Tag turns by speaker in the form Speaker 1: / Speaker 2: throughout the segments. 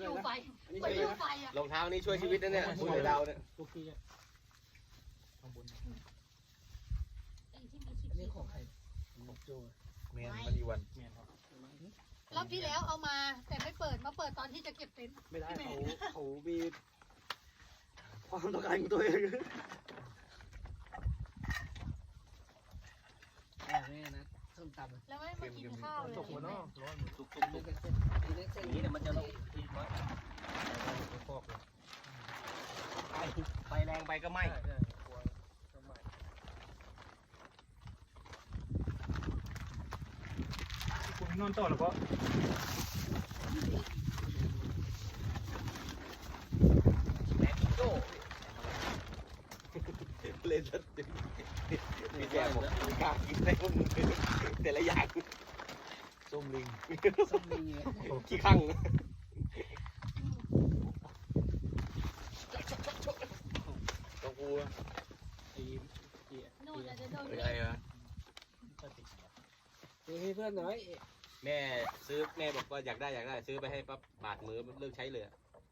Speaker 1: อยู่ไฟไปอยู่ไฟอ่ะ
Speaker 2: รองเท้านี้ช่วยชีวิตนะเนี่ยคุณเดาเนี่ย
Speaker 3: ทุกที่ข้างบน
Speaker 1: ไอ้ที่มี
Speaker 4: อันนี้
Speaker 1: ขีด
Speaker 4: ของใครของโจ
Speaker 5: แมนมันอีวัน
Speaker 3: แม่นครับ
Speaker 1: รอบที่แล้วเอามาแต่ไม่เปิดมาเปิดตอนที่จะเก็บเต็นท์
Speaker 4: ไม่ได้เขามีความต้องการของตัวเองแม่นะส้มตำ
Speaker 1: แล้วไม่มากินข้าวเลย
Speaker 3: ตกหัวนอกร้อน
Speaker 2: ตุก
Speaker 4: นี่เป็นเส้นนี่เส้น
Speaker 2: นี้เนี่ยมันจะลงทีน้อย
Speaker 3: ไปฟอกเลย
Speaker 2: ไฟแรงไปก็ไหม้
Speaker 3: คุณนอนต่อแล้วก็
Speaker 2: แหลมโจ้เล่นสติมีแจกผมมีกล้ากินได้พวกมึงแต่ละอย่าง
Speaker 5: ส้มลิง
Speaker 4: ส้มมี
Speaker 2: ขี้ข้างต้องกู
Speaker 3: ไอ้เจี๊ย
Speaker 1: นู่นอาจจะโดน
Speaker 2: เป็นไงวะ
Speaker 4: ให้เพื่อนน้อย
Speaker 2: แม่ซื้อแม่บอกว่าอยากได้ซื้อไปให้ปั๊บบาดมือเลิกใช้เลย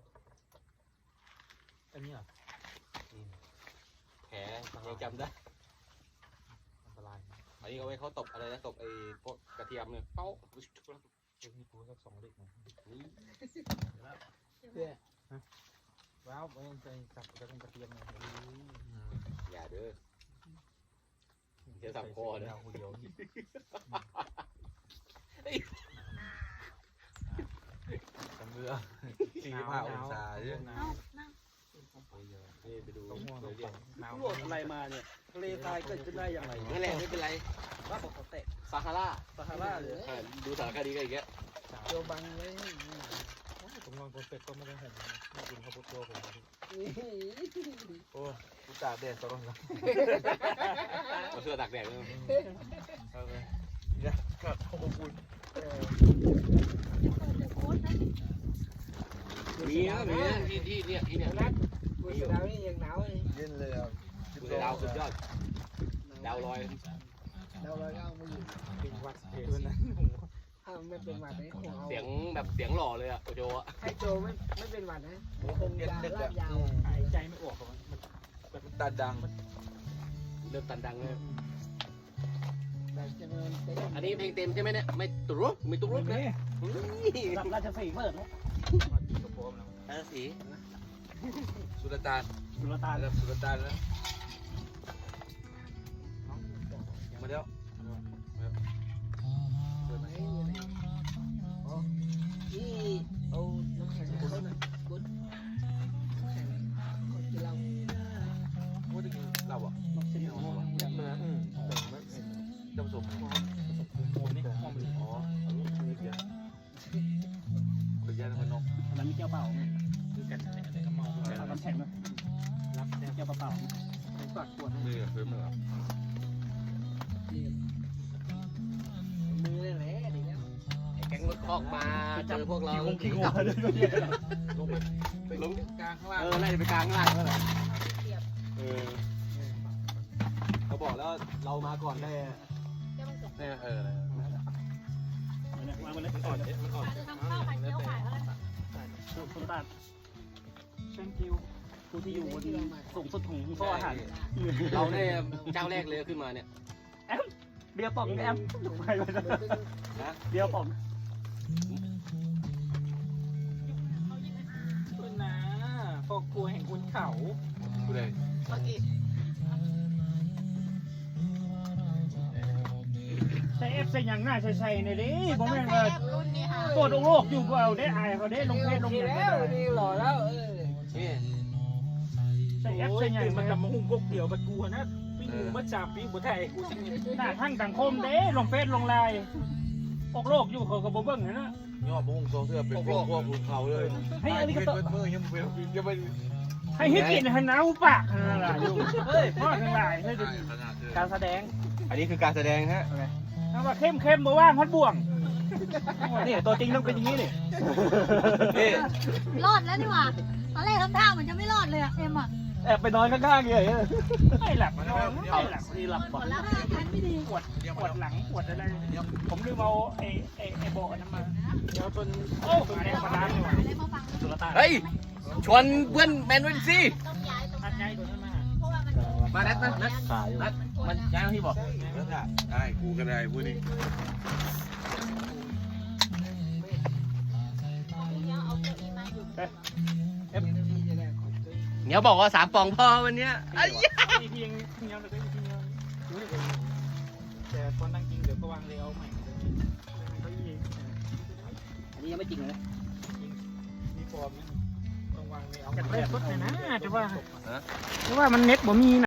Speaker 3: อันนี้อ่ะ
Speaker 2: แผลยังจำได้
Speaker 3: อันตราย
Speaker 2: อันนี้เอาไว้เขาตบอะไรนะตบไอ้พวกกระเทียมเนี่ยเป้า
Speaker 3: เดี๋ยวมีกูสัก2 เด็กนะ
Speaker 4: เพื่อ
Speaker 3: ว้าวไม่ใจจับกระเทียมเลย
Speaker 2: อย่าเด้อเดี๋ยวสับคอเด้อ
Speaker 3: เดี๋ยว
Speaker 5: ตำเรือ45 องศาใช่ไหม
Speaker 1: เอานั่ง
Speaker 2: นี่ไปดู
Speaker 3: ต้องห่วง
Speaker 2: เลยเนี่ย
Speaker 3: หนาว
Speaker 4: โหลดอะไรมาเนี่ยทะเลทรายเกิดขึ้นได้อย่างไร
Speaker 2: นั่นแหละไม่เป็นไร
Speaker 4: ว่าบอกเขาแตะ
Speaker 2: ซาฮารา
Speaker 4: ซาฮาราเลย
Speaker 2: ดูสารคดีกันอีกแล้ว
Speaker 4: โจบังไว้
Speaker 3: ผมนอนบนเป็ดก็ไม่ได้เห็นไม่กินข้าวโพดตัวผม
Speaker 4: นี่
Speaker 5: โอ้กูตากแดดตลอดเลย
Speaker 2: เอาเสื้อตากแดดเลย
Speaker 5: เอาไปเนี่ยครับขอบคุณ
Speaker 1: เดี๋ยวโค้ดนะ
Speaker 2: มีนะมีนะที่เนี่ยที่เนี่ย
Speaker 4: กูเสือดาวนี่ยังหนาวเลย
Speaker 5: เย็นเลยอ่ะ
Speaker 2: ดูดาวสุดยอดดาวลอย
Speaker 4: ดาวลอยก็เอามาอยู่
Speaker 3: เป็นวัดตัวนั้น
Speaker 4: ถ้าไม่เป็นหวัดเนี่ยคงเอา
Speaker 2: เสียงแบบเสียงหล่อเลยอะโอโจอะ
Speaker 4: ให้โจไม่เป็นหวัดนะคงยาลาดยาว
Speaker 3: หายใจไม่ออกมัน
Speaker 5: มันตาดัง
Speaker 2: เริ่มตันดังเลย
Speaker 4: แต่จะเงินเต็ม
Speaker 2: อันนี้เพลงเต็มใช่ไหมเนี่ยไม่ตุรุกไม่ตุรุกนะ
Speaker 4: รับราชสีห์เปิดนะ
Speaker 3: มากินกระโปรงแล้ว
Speaker 2: ราศี
Speaker 5: สุลต่าน
Speaker 4: สุลต่าน
Speaker 5: ระดับสุลต่านแล้วมาแล้ว
Speaker 4: ที่เอาน้ำแข็งเขาหน่อยกุดน้ำแข็งเขากินเหล้า
Speaker 5: พูดถึงเราอ่ะ
Speaker 4: บอกเสียงว่าอยากมา
Speaker 5: จำสม
Speaker 3: โอ้นี่ห้องมัน
Speaker 5: อ๋อเอาลูกมือเดียวขออนุญาตนก
Speaker 4: มันมีแก้วเปล่า
Speaker 3: คือกันอะไรก็เมา
Speaker 4: เอาน้ำแข็งมา
Speaker 3: รับแ
Speaker 4: แก้วเปล่าฝากขวด
Speaker 5: มือเพิ่มมือ
Speaker 4: มือเลยแหละดีแล้ว
Speaker 2: แก๊งรถคอกมาเจอพวกเรา
Speaker 5: ลงไปลงกลางข้างล่าง
Speaker 2: ไล่ไปกลางข้างล่างแล้วแหละเขาบอกแล้วเรามาก่อนได้เนี่ย
Speaker 3: มามันเลยอ่อนมันอ่อน
Speaker 1: อาจจะทำข้าวไข่เจียวขายอะไร
Speaker 4: คุณตา
Speaker 3: thank you
Speaker 4: ผู้ที่อยู่บนสูงสุดของโซ่อาหาร
Speaker 2: เราเนี่ยเจ้าแรกเลยขึ้นมาเนี่ย
Speaker 4: เบียร์ป่องแอมไปไปเบียร์ป่อง
Speaker 3: คุณนะครอบครัวแห่งคุณเขา
Speaker 5: กูเลย
Speaker 1: โอเค
Speaker 6: ใส่เอฟใส่อย่างหน้าใส่ในดิผมแม่ง
Speaker 1: แซ่
Speaker 6: ว่า
Speaker 1: บรุ่นนี้ค่ะ
Speaker 6: ตัวโลกอยู่ก็เอาได้อายเขาได้ลงเพจลงอย่าง
Speaker 4: แล้ว
Speaker 6: ได้
Speaker 4: นี่หล่อแล้ว
Speaker 2: นี่
Speaker 6: ใส่เอฟใส่อย่าง
Speaker 3: มั
Speaker 6: มันน
Speaker 3: กับมาหุ่งกกเดียวบัดกูนะปิ้งหมูมาจับปิ้งบัวไทยกูสิ
Speaker 6: หน้าทั้งสังคมเด้ลงเพจลงไลน์ออกโลกอยู่เขากับบ่เบิ่งนะ
Speaker 5: ย่อบุ้งโซ่เสื้อเป็นพวกภูเขาเลย
Speaker 6: ให้อันนี้ก็ต้อง
Speaker 5: มือยังไม่
Speaker 6: ให้ฮิกินให้หนาวปากนั่นล่ะอยู่เฮ้ยพ่อทั้งหลายเฮ้ย
Speaker 5: ขนาดเลย
Speaker 4: การแสดง
Speaker 2: อันนี้คือการแสดงฮะ
Speaker 6: ถ้าว่าเข้มบ่ว่างพัดบ่วงนี่ตัวจริงต้องเป็นอย่างนี้นี่
Speaker 2: นี่
Speaker 1: รอดแล้วนี่หว่าตอนแรกทำท่าเหมือนจะไม่รอดเลยอะเอ็มอะ
Speaker 3: แอบไปนอนข้างๆเลย
Speaker 6: ไม่หลับนอนไม่หลับนี่หลับ
Speaker 1: หมดแล้วทันไม่ดี
Speaker 6: ปวดหลังปวดอะไรผมลืมเอาไอ้โบนั้นมาเดี๋ยวต้นโอ้ต้นแรงมาล้างดีกว่า
Speaker 1: อะไรมาฟัง
Speaker 3: สุรตา
Speaker 2: เฮ้ยชวนเพื่อนแมนวินซี่
Speaker 1: ต้องย้ายตรง
Speaker 6: อั
Speaker 1: นั้น
Speaker 6: ดใจตัวนั้นมา
Speaker 1: เพราะว่ามัน
Speaker 2: มานัดนัด
Speaker 3: ขาอยู่
Speaker 2: นัดมันย้ายที่บอก
Speaker 5: ได้กูก็ได้พูดดิ
Speaker 1: เอาเก้าอี้มาอยู่
Speaker 2: เหนียวบอกว่า3 ปองพอวันเนี้ยไอ้ยะ
Speaker 6: อีพียังเงี้ยเลยอีพีเงี้ยแต่ตอนนั่งกินเดี๋ยวก็วางเลยเอาใหม่ก็อี
Speaker 4: อันนี้ยังไม่จริงเลย
Speaker 6: มีฟอร์มต้องวางเลยเอากระเทยรถเลยนะจะว่ามันเน็ตบ่มี